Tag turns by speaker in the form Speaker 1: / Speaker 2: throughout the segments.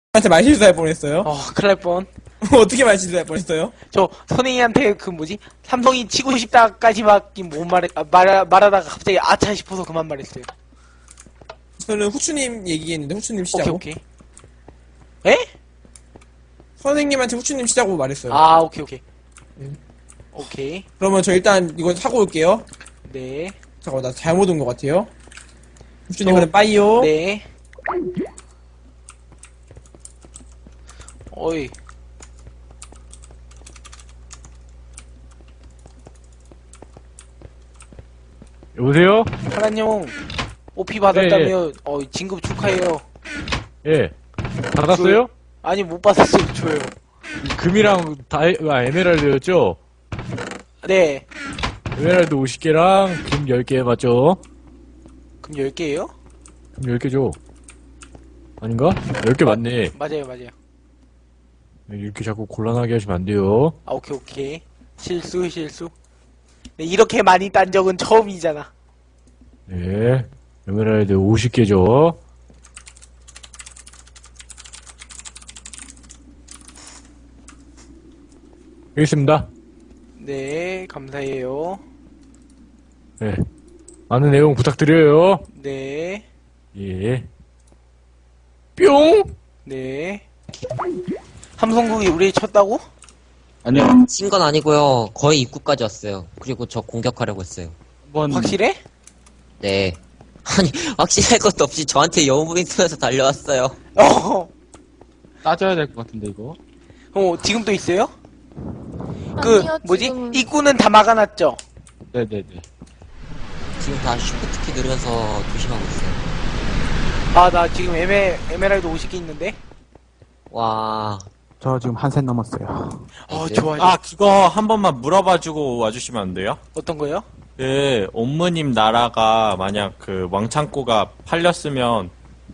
Speaker 1: 한테 말실수할 뻔했어요.
Speaker 2: 큰일 날 뻔.
Speaker 1: 어떻게 말실수할 뻔했어요?
Speaker 2: 저 선생님한테 그 뭐지? 삼성이 치고 싶다까지밖에 못 말하다가 갑자기 아차 싶어서 그만 말했어요.
Speaker 1: 저는 후추님 얘기했는데 후추님 시작고.
Speaker 2: 오케이. 에?
Speaker 1: 선생님한테 후추님 시작고 말했어요.
Speaker 2: 오케이.
Speaker 1: 네.
Speaker 2: 오케이.
Speaker 1: 그러면 저 일단 이거 사고 올게요.
Speaker 2: 네.
Speaker 1: 잠깐만 나 잘못 온 것 같아요. 후추님은 빠이요.
Speaker 2: 네. 어이.
Speaker 3: 여보세요?
Speaker 2: 하나님, 오피 받았다며, 진급 축하해요.
Speaker 3: 예. 받았어요?
Speaker 2: 아니, 못 받았어요, 줘요.
Speaker 3: 금이랑 에메랄드였죠?
Speaker 2: 네.
Speaker 3: 에메랄드 50개랑 금 10개 맞죠?
Speaker 2: 그럼 10개예요?
Speaker 3: 금 10개죠? 아닌가? 10개 맞네.
Speaker 2: 맞아요.
Speaker 3: 이렇게 자꾸 곤란하게 하시면 안 돼요.
Speaker 2: 오케이. 실수. 네, 이렇게 많이 딴 적은 처음이잖아.
Speaker 3: 네. 에메랄드 50개죠? 여기 있습니다.
Speaker 2: 네, 감사해요.
Speaker 3: 네. 많은 내용 부탁드려요.
Speaker 2: 네,
Speaker 3: 예. 뿅!
Speaker 2: 네. 함성국이 우리 쳤다고?
Speaker 4: 아니요.
Speaker 5: 친 건 아니고요. 거의 입구까지 왔어요. 그리고 저 공격하려고 했어요.
Speaker 4: 한번
Speaker 2: 확실해?
Speaker 5: 네. 아니, 확실할 것도 없이 저한테 영웅무빙 쓰면서 달려왔어요.
Speaker 4: 따져야 될 것 같은데 이거.
Speaker 2: 지금 또 있어요?
Speaker 6: 아니요,
Speaker 2: 뭐지?
Speaker 6: 지금은.
Speaker 2: 입구는 다 막아놨죠?
Speaker 4: 네네네.
Speaker 5: 지금 다 쉬프트키 누르면서 조심하고 있어요.
Speaker 2: 나 지금 에메랄드 50개 있는데?
Speaker 5: 와,
Speaker 7: 저 지금 한 셋 넘었어요.
Speaker 5: 네.
Speaker 2: 좋아요.
Speaker 8: 그거 한 번만 물어봐주고 와주시면 안 돼요?
Speaker 2: 어떤 거요?
Speaker 8: 옴무님 나라가 만약 왕창고가 팔렸으면,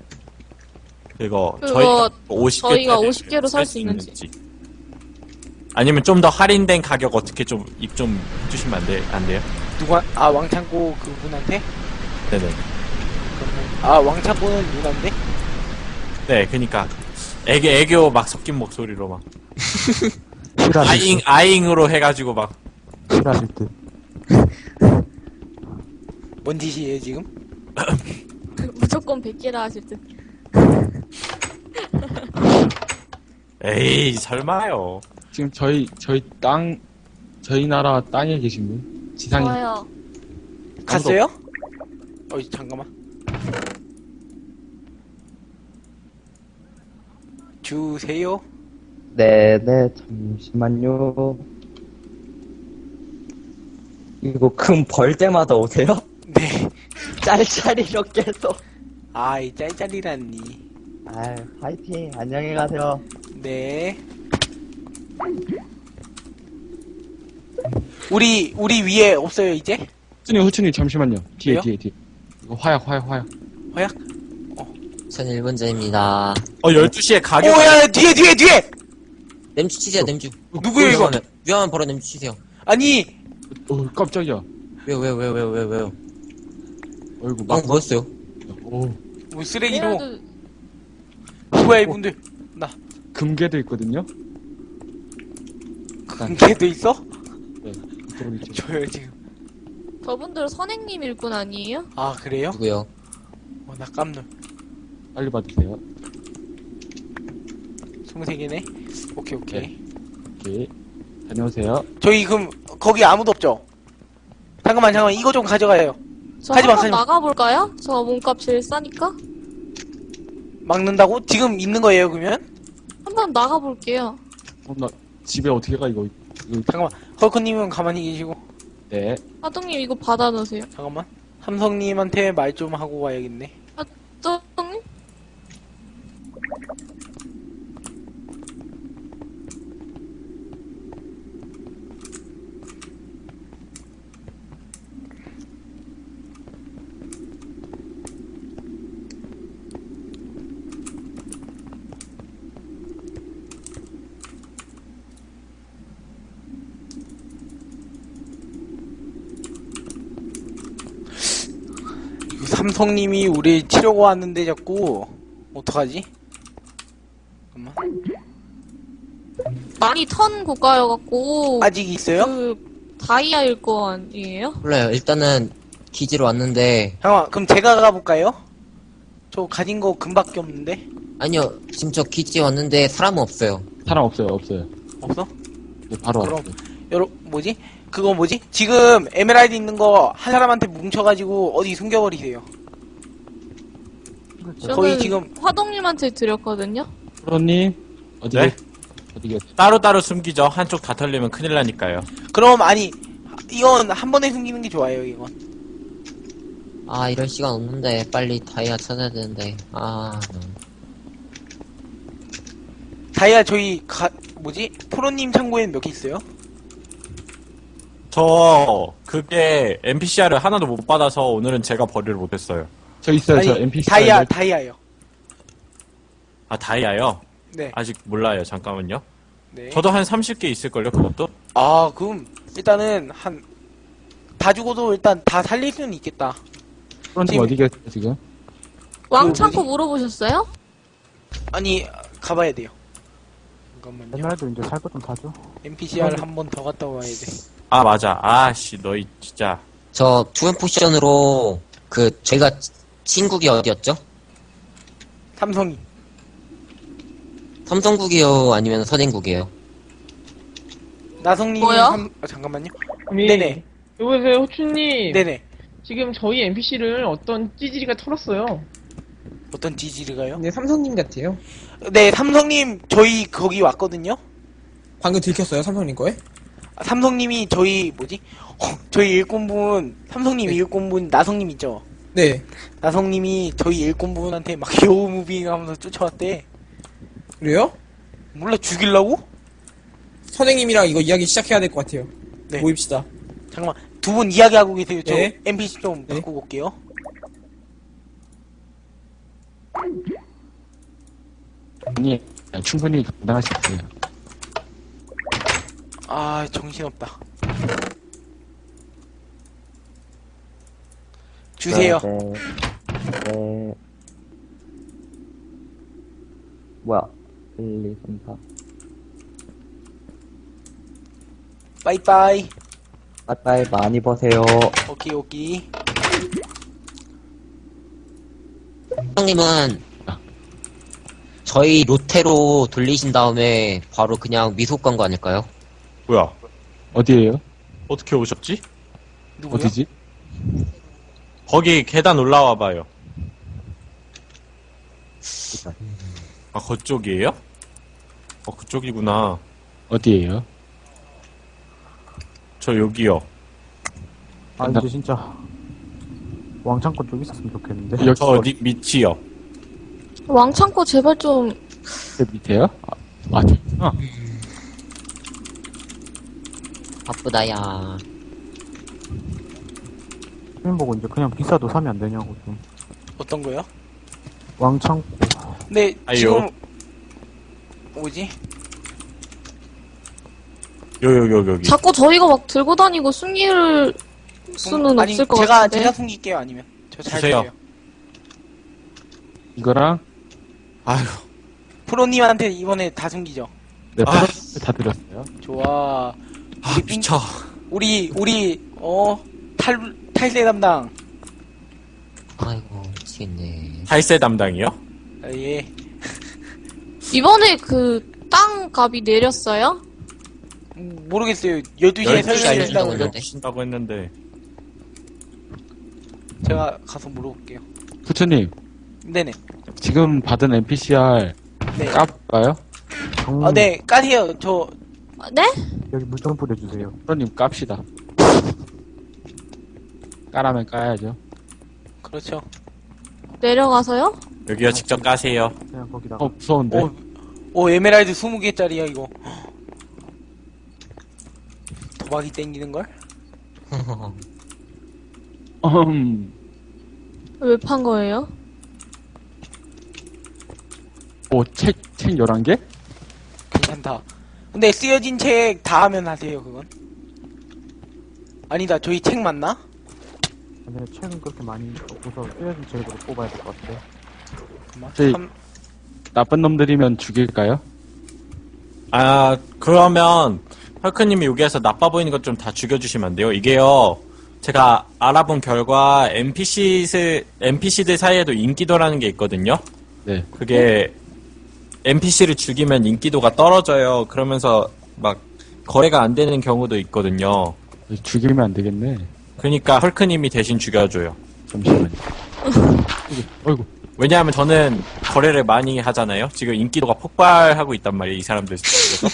Speaker 6: 그거
Speaker 8: 저희가 50개.
Speaker 6: 저희가 50개로 살 수 있는지.
Speaker 8: 아니면 좀 더 할인된 가격 어떻게 좀 해주시면 안 돼요?
Speaker 2: 왕창고 그분한테?
Speaker 8: 네네.
Speaker 2: 그러면, 왕창고는 누나인데?
Speaker 8: 네, 그니까. 애교 막 섞인 목소리로 막.
Speaker 7: 실화실 듯.
Speaker 8: 아잉으로 해가지고 막.
Speaker 7: 실화실 듯.
Speaker 2: 뭔 짓이에요, 지금?
Speaker 6: 무조건 100개라 하실 듯.
Speaker 8: 에이, 설마요.
Speaker 4: 지금 저희 나라 땅에 계신 분 지상에
Speaker 6: 좋아요.
Speaker 2: 갔어요? 잠깐만. 주세요.
Speaker 9: 네네, 잠시만요. 이거 금 벌 때마다 오세요?
Speaker 2: 네.
Speaker 9: 짤짤이 이렇게 해서.
Speaker 2: 이 짤짤이라니.
Speaker 9: 아유, 파이팅. 안녕히 가세요.
Speaker 2: 네. 우리 위에 없어요, 이제?
Speaker 4: 후추님 잠시만요. 뒤에
Speaker 2: 왜요?
Speaker 4: 뒤에. 이거 화약.
Speaker 2: 화약?
Speaker 5: 전 1분자입니다.
Speaker 8: 12시에 가격.
Speaker 2: 야, 뒤에!
Speaker 5: 냄주 치세요, 냄주.
Speaker 2: 누구예요, 이거?
Speaker 5: 위험한 버릇 냄주 치세요.
Speaker 2: 아니,
Speaker 4: 깜짝이야.
Speaker 5: 왜요?
Speaker 4: 어이구
Speaker 5: 막 뭐였어요?
Speaker 2: 뭐 쓰레기로.
Speaker 6: 에메랄드
Speaker 2: 누구야, 이분들?
Speaker 4: 금괴도 있거든요.
Speaker 2: 걔도 있어?
Speaker 4: 네. 이쪽으로 있죠.
Speaker 2: 저요, 지금.
Speaker 6: 저분들 선행님 일꾼 아니에요?
Speaker 2: 그래요?
Speaker 5: 누구요?
Speaker 2: 나 깜놀.
Speaker 4: 빨리 받으세요.
Speaker 2: 23개네? 오케이.
Speaker 4: 오케이. 다녀오세요.
Speaker 2: 저희 그럼 거기 아무도 없죠? 잠깐만 이거 좀 가져가요.
Speaker 6: 저
Speaker 2: 가지마,
Speaker 6: 한번
Speaker 2: 가지마.
Speaker 6: 나가볼까요? 저 몸값 제일 싸니까?
Speaker 2: 막는다고? 지금 있는 거예요, 그러면?
Speaker 6: 한번 나가볼게요.
Speaker 4: 나 집에 어떻게 가 이거
Speaker 2: 잠깐만, 헐크님은 가만히 계시고.
Speaker 4: 네.
Speaker 6: 하동님 이거 받아놓으세요.
Speaker 2: 잠깐만. 삼성님한테 말 좀 하고 와야겠네.
Speaker 6: 하동님?
Speaker 2: 삼성님이 우리 치려고 하는데 자꾸 어떡하지? 잠깐만.
Speaker 6: 많이 턴 고가여갖고
Speaker 2: 아직 있어요?
Speaker 6: 그 다이아일 거 아니에요?
Speaker 5: 몰라요. 일단은 기지로 왔는데
Speaker 2: 잠깐만, 그럼 제가 가볼까요? 저 가진 거 금밖에 없는데?
Speaker 5: 아니요. 지금 저 기지에 왔는데 사람은 없어요.
Speaker 4: 사람 없어요, 없어요.
Speaker 2: 없어?
Speaker 4: 네, 바로
Speaker 2: 그럼.
Speaker 4: 왔어요.
Speaker 2: 뭐지? 그거 뭐지? 지금 에메랄드 있는 거 한 사람한테 뭉쳐가지고 어디 숨겨버리세요.
Speaker 6: 저는
Speaker 2: 거의 지금
Speaker 6: 화동님한테 드렸거든요.
Speaker 4: 프로님, 어디,
Speaker 8: 네?
Speaker 4: 어디 계세요?
Speaker 8: 따로따로 숨기죠. 한쪽 다 털리면 큰일 나니까요.
Speaker 2: 그럼 아니 이건 한 번에 숨기는 게 좋아요. 이건
Speaker 5: 아, 이럴 시간 없는데 빨리 다이아 찾아야 되는데. 아,
Speaker 2: 다이아 저희 뭐지? 프로님 창고에는 몇 개 있어요?
Speaker 8: 그게 NPCR을 하나도 못 받아서 오늘은 제가 버리를 못했어요.
Speaker 4: 저 있어요, 저
Speaker 2: 아니,
Speaker 4: NPC.
Speaker 2: 다이아요.
Speaker 8: 아, 다이아요?
Speaker 2: 네.
Speaker 8: 아직 몰라요. 잠깐만요.
Speaker 2: 네.
Speaker 8: 저도 한 30개 있을걸요, 그것도?
Speaker 2: 아 그럼 일단은 다 죽어도 일단 다 살릴 수는 있겠다.
Speaker 4: 프로님
Speaker 2: 지금-
Speaker 4: 어디 계세요, 지금?
Speaker 6: 왕창고 물어보셨어요?
Speaker 2: 아니 가봐야 돼요. 잠깐만요.
Speaker 7: 옛날에도 이제 살 거 좀 사죠.
Speaker 2: NPCR 한 번 더 갔다 와야 돼.
Speaker 8: 아, 맞아. 아씨, 너희 진짜.
Speaker 5: 저 투앤 포션으로 저희가 친국이 어디였죠?
Speaker 2: 삼성이.
Speaker 5: 삼성국이요, 아니면 선인국이에요?
Speaker 2: 나성님.
Speaker 6: 뭐요?
Speaker 2: 잠깐만요.
Speaker 10: 아니,
Speaker 2: 네네.
Speaker 10: 여보세요, 호추님.
Speaker 2: 네네.
Speaker 10: 지금 저희 NPC를 어떤 찌질이가 털었어요.
Speaker 2: 어떤 지지르가요?
Speaker 1: 네, 삼성님 같아요.
Speaker 2: 네, 삼성님 저희 거기 왔거든요.
Speaker 1: 방금 들켰어요, 삼성님 거에?
Speaker 2: 삼성님이 저희 뭐지? 저희 일꾼분 삼성님
Speaker 1: 네.
Speaker 2: 일꾼분 나성님 있죠?
Speaker 1: 네.
Speaker 2: 나성님이 저희 일꾼분한테 막 여우 무빙하면서 쫓아왔대.
Speaker 1: 그래요?
Speaker 2: 몰라 죽일라고?
Speaker 1: 선생님이랑 이거 이야기 시작해야 될 것 같아요.
Speaker 2: 네.
Speaker 1: 모입시다.
Speaker 2: 잠깐만 두 분 이야기하고 계세요. 저
Speaker 1: 네.
Speaker 2: NPC 좀
Speaker 1: 네.
Speaker 2: 바꾸고 올게요.
Speaker 4: 아니, 충분히 감당하실 거예요.
Speaker 2: 아 정신없다. 주세요.
Speaker 9: 네. 뭐야? 1, 2, 3, 4.
Speaker 2: 빠이빠이.
Speaker 9: 빠빠이 많이 버세요.
Speaker 2: 오케이.
Speaker 5: 선생님은 저희 로테로 돌리신 다음에 바로 그냥 미속 간 거 아닐까요?
Speaker 8: 뭐야?
Speaker 4: 어디에요?
Speaker 8: 어떻게 오셨지?
Speaker 2: 누구요?
Speaker 4: 어디지?
Speaker 8: 거기 계단 올라와봐요. 아, 그쪽이에요? 그쪽이구나.
Speaker 4: 어디에요?
Speaker 8: 저 여기요.
Speaker 7: 아, 이제 진짜. 왕창고 쪽 있었으면 좋겠는데.
Speaker 4: 여기
Speaker 8: 저 밑이요.
Speaker 6: 왕창고 제발 좀
Speaker 4: 밑에요? 저기구나.
Speaker 5: 바쁘다야.
Speaker 7: 주민 보고 이제 그냥 비싸도 사면 안 되냐고, 좀.
Speaker 2: 어떤 거요?
Speaker 7: 왕창고.
Speaker 2: 근데
Speaker 8: 아이요.
Speaker 2: 지금 뭐지?
Speaker 8: 여기.
Speaker 6: 자꾸 저희가 막 들고 다니고 숨길 수는
Speaker 2: 아니,
Speaker 6: 없을 것
Speaker 2: 제가
Speaker 6: 같은데.
Speaker 2: 숨길게요. 아니면 저 잘
Speaker 8: 주세요.
Speaker 2: 주세요.
Speaker 4: 이거랑,
Speaker 8: 아휴.
Speaker 2: 프로님한테 이번에 다 숨기죠.
Speaker 4: 네,
Speaker 8: 아.
Speaker 4: 프로님 다 드렸어요.
Speaker 2: 좋아.
Speaker 8: 아, 미쳐.
Speaker 2: 우리 탈세 담당.
Speaker 5: 아이고, 미치겠네.
Speaker 8: 탈세 담당이요?
Speaker 2: 아, 예.
Speaker 6: 이번에 그 땅 값이 내렸어요?
Speaker 2: 모르겠어요. 12시에
Speaker 5: 12시
Speaker 2: 설명이
Speaker 5: 알려준다고
Speaker 2: 된다고
Speaker 5: 했는데.
Speaker 8: 신다고 했는데.
Speaker 2: 제가 가서 물어볼게요.
Speaker 4: 후추님,
Speaker 2: 네네.
Speaker 4: 지금 받은 NPCR
Speaker 2: 네.
Speaker 4: 깝까요?
Speaker 2: 네, 까세요. 저,
Speaker 6: 네?
Speaker 7: 여기 물 좀 뿌려주세요.
Speaker 4: 프로님 깝시다. 까라면 까야죠.
Speaker 2: 그렇죠.
Speaker 6: 내려가서요?
Speaker 8: 여기요, 직접 까세요.
Speaker 7: 그냥 거기다가.
Speaker 4: 무서운데.
Speaker 2: 에메랄드 20개짜리야, 이거. 도박이 땡기는걸?
Speaker 6: 왜 판 거예요?
Speaker 4: 책 11개?
Speaker 2: 괜찮다. 근데 쓰여진 책 다 하면 하세요, 그건. 아니다, 저희 책 맞나?
Speaker 7: 근데 책은 그렇게 많이 없어서 쓰여진 책으로 뽑아야 될 것 같아요.
Speaker 2: 잠깐만.
Speaker 4: 저희- 나쁜 놈들이면 죽일까요?
Speaker 8: 아, 그러면, 헐크님이 여기에서 나빠 보이는 것 좀 다 죽여주시면 안 돼요? 이게요, 제가 알아본 결과, NPC들 사이에도 인기도라는 게 있거든요?
Speaker 4: 네.
Speaker 8: 그게, NPC를 죽이면 인기도가 떨어져요. 그러면서, 막, 거래가 안 되는 경우도 있거든요.
Speaker 4: 죽이면 안 되겠네.
Speaker 8: 그러니까, 헐크님이 대신 죽여줘요.
Speaker 4: 잠시만요. 어이구.
Speaker 8: 왜냐하면 저는 거래를 많이 하잖아요? 지금 인기도가 폭발하고 있단 말이에요, 이 사람들 속에서.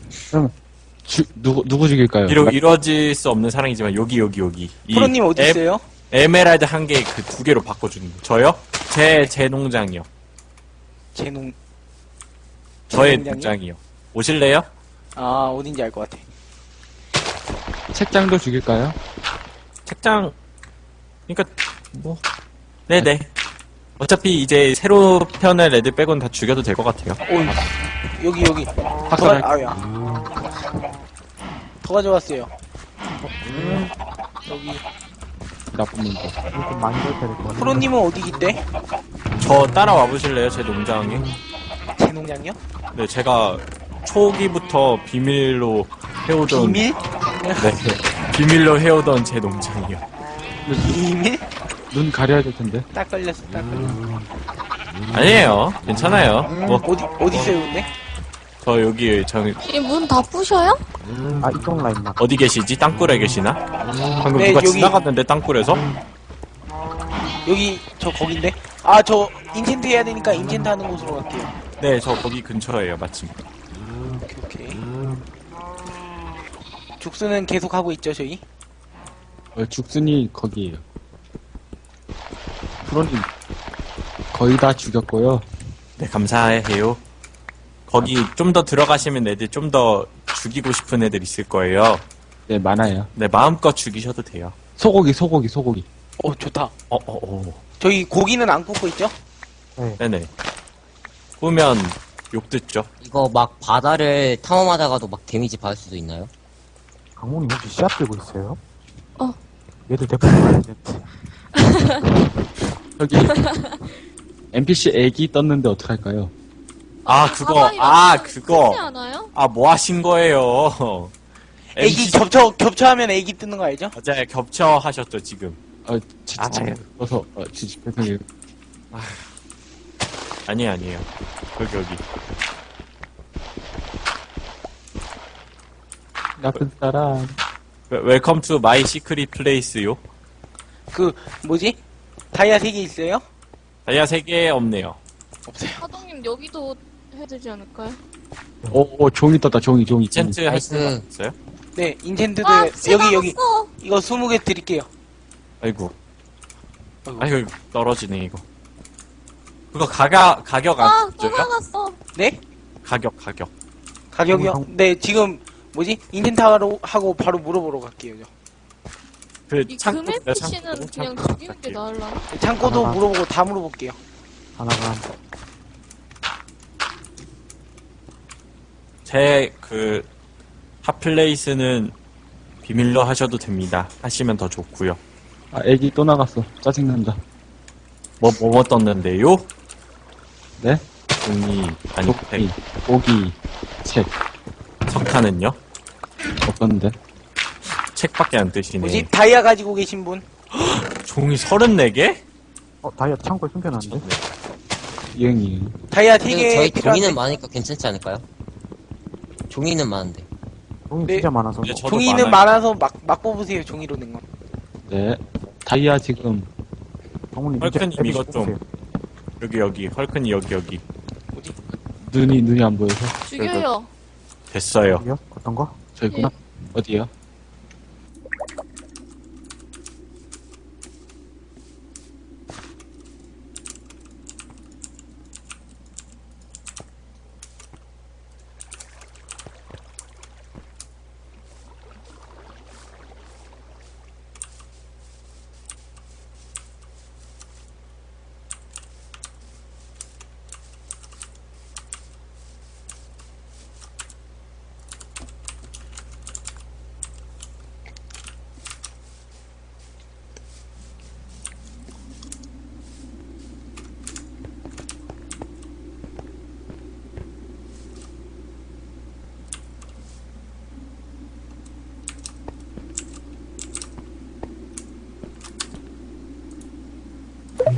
Speaker 4: 누구 죽일까요?
Speaker 8: 이루어질 수 없는 사랑이지만, 여기. 이
Speaker 2: 프로님 어디 있어요?
Speaker 8: 에메랄드 한 개 그 2개로 바꿔주는 거. 저요? 제 농장이요.
Speaker 2: 제농.
Speaker 8: 저의
Speaker 2: 농장이요?
Speaker 8: 농장이요. 오실래요?
Speaker 2: 아, 어딘지 알 것 같아.
Speaker 4: 책장도 죽일까요?
Speaker 8: 책장, 그니까, 뭐. 네네. 어차피 이제 새로 편의 레드 빼곤 다 죽여도 될 것 같아요.
Speaker 2: 여기.
Speaker 4: 학살
Speaker 2: 아야. 더 가져왔어요. 여기.
Speaker 4: 나쁜 놈들.
Speaker 7: 좀 많이 될 때릴 것 같아요.
Speaker 2: 프로님은 어디 있대?
Speaker 8: 저 따라와 보실래요? 제 농장에?
Speaker 2: 제 농장이요?
Speaker 8: 네, 제가 초기부터 비밀로 해오던.
Speaker 2: 비밀?
Speaker 8: 네. 비밀로 해오던 제 농장이요.
Speaker 2: 비밀?
Speaker 4: 눈 가려야 될 텐데.
Speaker 2: 딱 걸렸어.
Speaker 8: 아니에요. 괜찮아요. 뭐,
Speaker 2: 어디 있어요, 근데?
Speaker 8: 저 여기,
Speaker 6: 이 문 다 부셔요?
Speaker 7: 아, 이쪽 라인만.
Speaker 8: 어디 계시지? 땅굴에 계시나? 방금
Speaker 2: 네,
Speaker 8: 누가
Speaker 2: 여기.
Speaker 8: 지나갔는데, 땅굴에서?
Speaker 2: 여기, 저 인챈트 해야 되니까 인챈트 하는 곳으로 갈게요.
Speaker 8: 네, 저 거기 근처에요, 마침.
Speaker 2: 오케이. 죽수는 계속 하고 있죠, 저희?
Speaker 4: 죽순이 거기에요. 프로님 거의 다 죽였고요.
Speaker 8: 네, 감사해요. 거기 좀 더 들어가시면 애들 좀 더 죽이고 싶은 애들 있을 거예요.
Speaker 4: 네, 많아요.
Speaker 8: 네, 마음껏 죽이셔도 돼요.
Speaker 4: 소고기.
Speaker 2: 좋다.
Speaker 8: 어.
Speaker 2: 저희 고기는 안 굽고 있죠?
Speaker 8: 네네. 꾸면 욕 듣죠.
Speaker 5: 이거 막 바다를 탐험하다가도 막 데미지 받을 수도 있나요?
Speaker 7: 강모님 혹시 씨앗 들고 있어요?
Speaker 6: 어.
Speaker 7: 얘들 데리고 가야 되는데.
Speaker 4: 저기 NPC 애기 떴는데 어떡할까요?
Speaker 8: 그거.
Speaker 6: 크지 않아요?
Speaker 8: 뭐 하신 거예요?
Speaker 2: 애기 겹쳐하면 애기 뜨는 거 알죠?
Speaker 8: 맞아요. 겹쳐 하셨죠, 지금.
Speaker 4: 진짜 그래서 죄송해요.
Speaker 8: 아니에요. 여기.
Speaker 4: 나쁜 사람.
Speaker 8: 웰컴 투 마이 시크릿 플레이스요.
Speaker 2: 다이아 3개 있어요?
Speaker 8: 다이아 3개 없네요.
Speaker 2: 없어요.
Speaker 6: 하동님 여기도 해야 되지 않을까요?
Speaker 4: 종이 떴다. 종이.
Speaker 8: 이젠트 할 수
Speaker 5: 나이스.
Speaker 8: 있어요?
Speaker 2: 네, 인챈트도 여기.
Speaker 6: 어
Speaker 2: 이거 20개 드릴게요.
Speaker 8: 아이고, 떨어지네, 이거. 그거 가격 안
Speaker 6: 또
Speaker 8: 줘요?
Speaker 6: 나갔어.
Speaker 2: 네?
Speaker 8: 가격.
Speaker 2: 가격이요? 네, 지금 인챈트 하고 바로 물어보러 갈게요.
Speaker 6: 이 금의 피씨는 그냥 죽이는 게 나을라나?
Speaker 2: 창고도
Speaker 7: 하나가.
Speaker 2: 물어보고 다 물어볼게요.
Speaker 7: 하나가.
Speaker 8: 제 핫플레이스는 비밀로 하셔도 됩니다. 하시면 더 좋고요.
Speaker 4: 애기 또 나갔어. 짜증난다.
Speaker 8: 뭐 떴는데요?
Speaker 4: 네?
Speaker 8: 종이, 아니, 백.
Speaker 4: 고기, 책.
Speaker 8: 석탄은요?
Speaker 4: 없었는데.
Speaker 8: 책밖에 안 뜨시네.
Speaker 2: 다이아 가지고 계신 분?
Speaker 8: 종이 34개?
Speaker 7: 다이아 창고에 숨겨놨는데?
Speaker 4: 이응이.
Speaker 2: 다이아
Speaker 5: 그래도
Speaker 2: 3개
Speaker 5: 저희
Speaker 2: 필요한데.
Speaker 5: 종이는 많으니까 괜찮지 않을까요? 종이는 많은데.
Speaker 7: 종이
Speaker 2: 네.
Speaker 7: 진짜 많아서.
Speaker 8: 네, 저도
Speaker 2: 종이는
Speaker 8: 많아요.
Speaker 2: 많아서 막 뽑으세요, 종이로 된 건.
Speaker 4: 네. 다이아 지금
Speaker 7: 강모님
Speaker 8: 헐크님
Speaker 7: 이제
Speaker 8: 이것
Speaker 7: 에비시
Speaker 8: 좀.
Speaker 7: 뽑으세요.
Speaker 8: 여기. 헐크니 여기.
Speaker 4: 눈이 안 보여서.
Speaker 6: 죽여요.
Speaker 8: 됐어요.
Speaker 7: 여기요? 어떤 거?
Speaker 4: 저기구나. 어디요?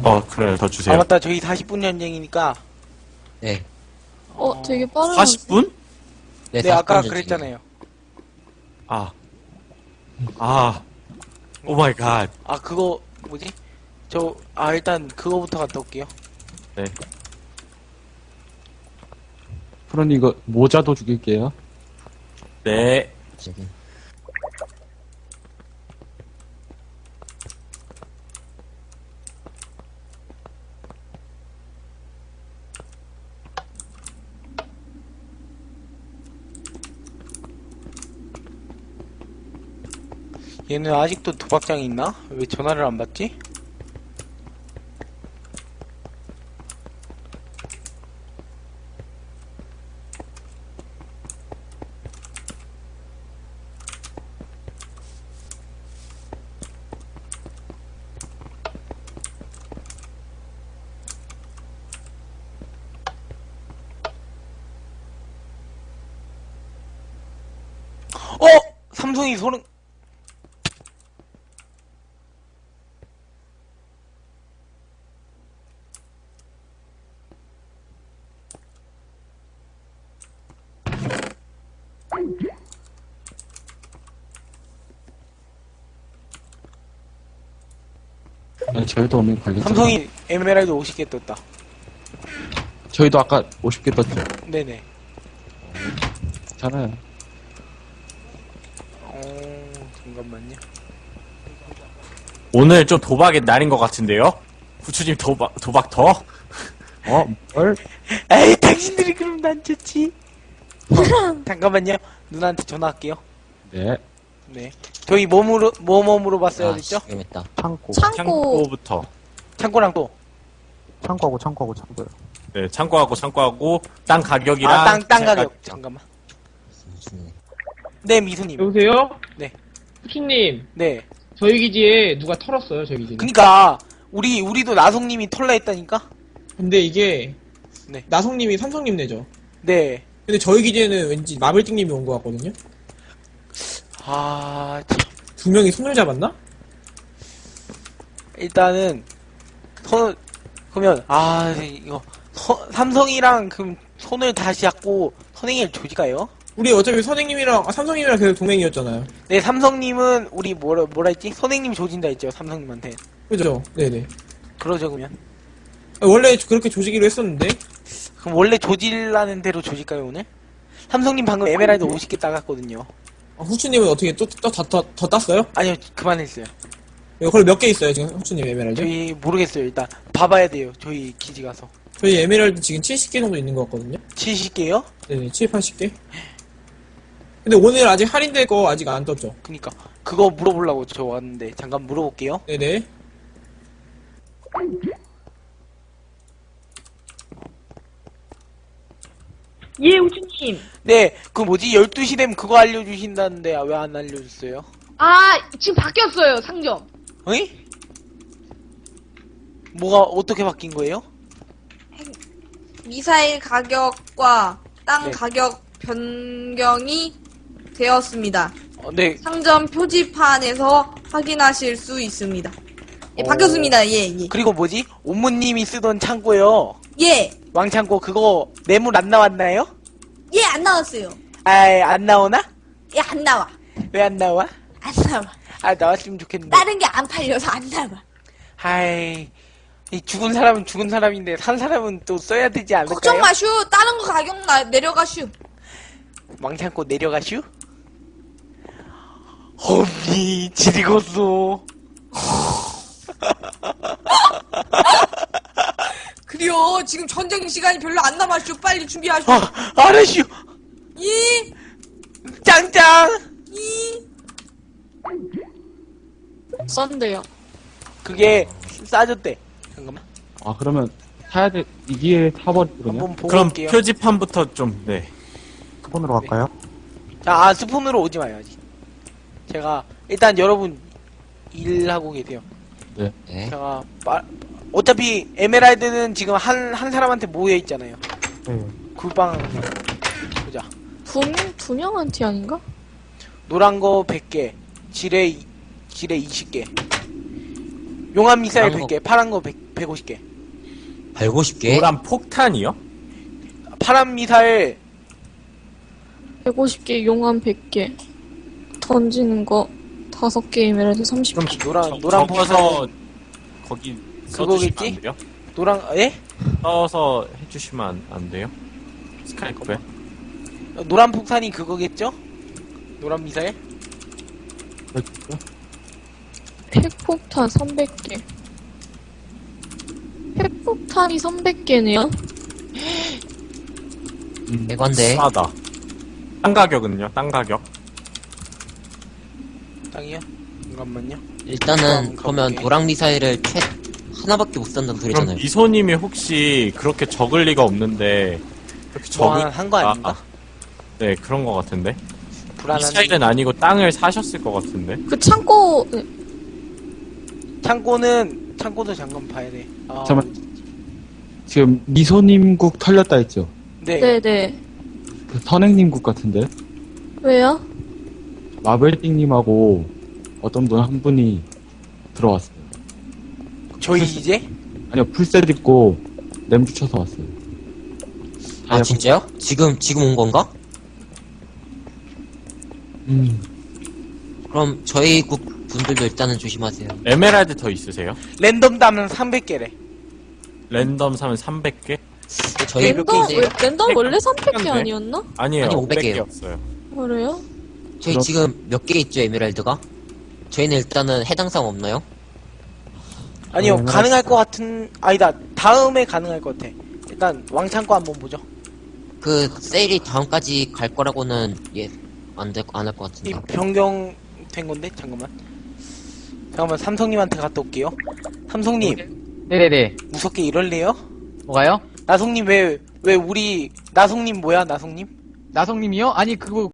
Speaker 8: 그래요. 더
Speaker 2: 아
Speaker 8: 주세요.
Speaker 2: 맞다 저희 40분 전쟁이니까
Speaker 5: 네.
Speaker 6: 되게 빠르네.
Speaker 8: 40분?
Speaker 2: 네
Speaker 5: 40분
Speaker 2: 아까
Speaker 5: 전쟁이에요.
Speaker 2: 그랬잖아요.
Speaker 8: 오 마이 갓.
Speaker 2: 아 그거 뭐지? 일단 그거부터 갔다 올게요.
Speaker 8: 네.
Speaker 4: 프로님 이거 모자도 죽일게요.
Speaker 8: 네.
Speaker 5: 저기.
Speaker 2: 얘는 아직도 도박장이 있나? 왜 전화를 안 받지? 삼성이 소름.
Speaker 4: 아니, 저희도 오면 걸렸죠.
Speaker 2: 삼성이 에메랄드 50개 떴다.
Speaker 4: 저희도 아까 50개 떴죠.
Speaker 2: 네네.
Speaker 4: 괜찮아요.
Speaker 2: 잠깐만요.
Speaker 8: 오늘 좀 도박의 날인 것 같은데요? 후추님 도박 더?
Speaker 4: 뭘?
Speaker 2: 에이 당신들이 그럼 난 좋지. 잠깐만요. 누나한테 전화할게요.
Speaker 4: 네.
Speaker 2: 네. 저희 몸으로 봤어야
Speaker 5: 아,
Speaker 2: 됐죠?
Speaker 5: 재밌다.
Speaker 7: 창고.
Speaker 8: 창고부터.
Speaker 2: 창고랑 또.
Speaker 7: 창고요.
Speaker 8: 네, 창고하고 땅 가격이랑
Speaker 2: 땅 가격. 잠깐만. 네 미수님.
Speaker 10: 여보세요?
Speaker 2: 네.
Speaker 10: 후추님,
Speaker 2: 네.
Speaker 10: 저희 기지에 누가 털었어요, 저희 기지에.
Speaker 2: 그니까 우리도 나송님이 털라 했다니까.
Speaker 10: 근데 이게,
Speaker 2: 네.
Speaker 10: 나성님이 삼성님 내죠.
Speaker 2: 네.
Speaker 10: 근데 저희 기지에는 왠지 마블띵님이 온 것 같거든요?
Speaker 2: 참.
Speaker 10: 두 명이 손을 잡았나?
Speaker 2: 일단은 그러면 이거 삼성이랑 그럼 손을 다시 잡고 선행일 조지가요?
Speaker 10: 우리 어차피 삼성님이랑 계속 동맹이었잖아요.
Speaker 2: 네, 삼성님은 우리 뭐라 했지? 선행님 조진다 했죠, 삼성님한테.
Speaker 10: 그죠? 네네.
Speaker 2: 그러죠, 그러면.
Speaker 10: 원래 그렇게 조지기로 했었는데,
Speaker 2: 그럼 원래 조질라는 대로 조질까요, 오늘? 삼성님 방금 에메랄드 50개 따갔거든요.
Speaker 10: 후추님은 어떻게 더 땄어요?
Speaker 2: 아니요, 그만했어요.
Speaker 10: 그걸 몇 개 있어요, 지금 후추님 에메랄드?
Speaker 2: 저희 모르겠어요, 일단. 봐봐야 돼요, 저희 기지 가서.
Speaker 10: 저희 에메랄드 지금 70개 정도 있는 것 같거든요?
Speaker 2: 70개요?
Speaker 10: 네네, 70, 80개? 근데 오늘 아직 할인될 거 아직 안 떴죠?
Speaker 2: 그니까. 그거 물어보려고 저 왔는데, 잠깐 물어볼게요.
Speaker 10: 네네.
Speaker 11: 예, 우주님.
Speaker 2: 네, 그 뭐지? 12시 되면 그거 알려주신다는데, 왜 안 알려줬어요?
Speaker 11: 지금 바뀌었어요, 상점.
Speaker 2: 어이? 뭐가 어떻게 바뀐 거예요?
Speaker 11: 미사일 가격과 땅
Speaker 2: 네.
Speaker 11: 가격 변경이 되었습니다.
Speaker 2: 네.
Speaker 11: 상점 표지판에서 확인하실 수 있습니다. 예, 바뀌었습니다. 예.
Speaker 2: 그리고 뭐지? 옴무님이 쓰던 창고요.
Speaker 11: 예.
Speaker 2: 왕창고 그거 매물 안 나왔나요?
Speaker 11: 예, 안 나왔어요.
Speaker 2: 안 나오나?
Speaker 11: 예, 안 나와.
Speaker 2: 왜 안 나와?
Speaker 11: 안 나와.
Speaker 2: 나왔으면 좋겠는데.
Speaker 11: 다른 게 안 팔려서 안 나와.
Speaker 2: 이 죽은 사람은 죽은 사람인데 산 사람은 또 써야 되지 않을까요?
Speaker 11: 걱정 마슈. 다른 거 가격 내려가슈.
Speaker 2: 왕창고 내려가슈? 험니 지리겄소.
Speaker 11: 그래요. 지금 전쟁 시간이 별로 안 남았슈. 빨리 준비하슈.
Speaker 2: 알았슈.
Speaker 11: 이.
Speaker 2: 짱짱.
Speaker 11: 이.
Speaker 6: 썬데요.
Speaker 2: 그게 싸졌대. 잠깐만.
Speaker 4: 그러면 사야 돼. 이 기회에 사버리거든요.
Speaker 2: 한번 보고
Speaker 8: 그럼
Speaker 2: 올게요.
Speaker 8: 표지판부터 좀, 네.
Speaker 7: 스폰으로 갈까요?
Speaker 2: 자, 스폰으로 오지 마요, 아직. 제가, 일단 여러분, 일하고 계세요.
Speaker 5: 네.
Speaker 2: 제가, 어차피, 에메랄드는 지금 한 사람한테 모여있잖아요.
Speaker 7: 네.
Speaker 2: 굴빵, 보자.
Speaker 6: 두 명한테 아닌가?
Speaker 2: 노란 거 100개, 지뢰 20개. 용암 미사일
Speaker 5: 파란 거.
Speaker 2: 100개, 파란 거 100 150개.
Speaker 5: 150개?
Speaker 8: 노란 폭탄이요?
Speaker 2: 파란 미사일
Speaker 6: 150개, 용암 100개. 던지는 거 5개이면 해서 30개.
Speaker 2: 노란
Speaker 8: 적어서 거기 써주시면
Speaker 2: 그거겠지?
Speaker 8: 안 돼요?
Speaker 2: 노란 예?
Speaker 8: 써서 해주시면 안 돼요? 스카이프에?
Speaker 2: 노란 폭탄이 그거겠죠? 노란 미사일?
Speaker 6: 핵폭탄 300개. 핵폭탄이 300개네요?
Speaker 5: 대관대.
Speaker 8: 싸다. 땅 가격은요? 땅 가격?
Speaker 2: 땅이요? 잠깐만요.
Speaker 5: 일단은 그러면
Speaker 2: 가볼게.
Speaker 5: 노랑 미사일을 하나밖에 못 산다는
Speaker 8: 그럼
Speaker 5: 소리잖아요.
Speaker 8: 미소님이 혹시 그렇게 적을 리가 없는데 그렇게
Speaker 2: 뭐
Speaker 8: 적을
Speaker 2: 한거 아닌가?
Speaker 8: 네 그런 거 같은데
Speaker 2: 불안한.
Speaker 8: 미사일은 아니고 땅을 사셨을 것 같은데
Speaker 6: 그 창고, 네.
Speaker 2: 창고도 잠깐 봐야 돼. 아,
Speaker 4: 잠깐만. 지금 미소님국 털렸다 했죠?
Speaker 2: 네.
Speaker 6: 네네.
Speaker 4: 그 선행님국 같은데?
Speaker 6: 왜요?
Speaker 4: 마블띵님하고 어떤 분 한 분이 들어왔어요.
Speaker 2: 저희 이제?
Speaker 4: 아니요, 풀셋 입고 램 붙여서 왔어요.
Speaker 5: 아, 진짜요? 지금 온 건가? 그럼 저희 국 분들도 일단은 조심하세요.
Speaker 8: 에메랄드 더 있으세요?
Speaker 2: 랜덤 담은 300개래.
Speaker 8: 랜덤 사면 300개?
Speaker 5: 저희
Speaker 6: 랜덤 원래 300개
Speaker 8: 네.
Speaker 6: 아니었나?
Speaker 8: 아니에요
Speaker 5: 아니, 500 개요.
Speaker 8: 500개였어요
Speaker 6: 그래요?
Speaker 5: 저희 지금 몇 개 있죠, 에메랄드가? 저희는 일단은 해당 사항 없나요?
Speaker 2: 아니요, 가능할 것 같은, 아니다. 다음에 가능할 것 같아. 일단, 왕창고 한번 보죠.
Speaker 5: 그 세일이 다음까지 갈 거라고는 안 할 것
Speaker 2: 이
Speaker 5: 같은데.
Speaker 2: 변경된 건데? 잠깐만, 삼성님한테 갔다 올게요. 삼성님,
Speaker 12: 네네네.
Speaker 2: 무섭게 이럴래요?
Speaker 12: 뭐가요?
Speaker 2: 나성님 나성님 뭐야, 나성님?
Speaker 12: 나성님이요? 아니, 그거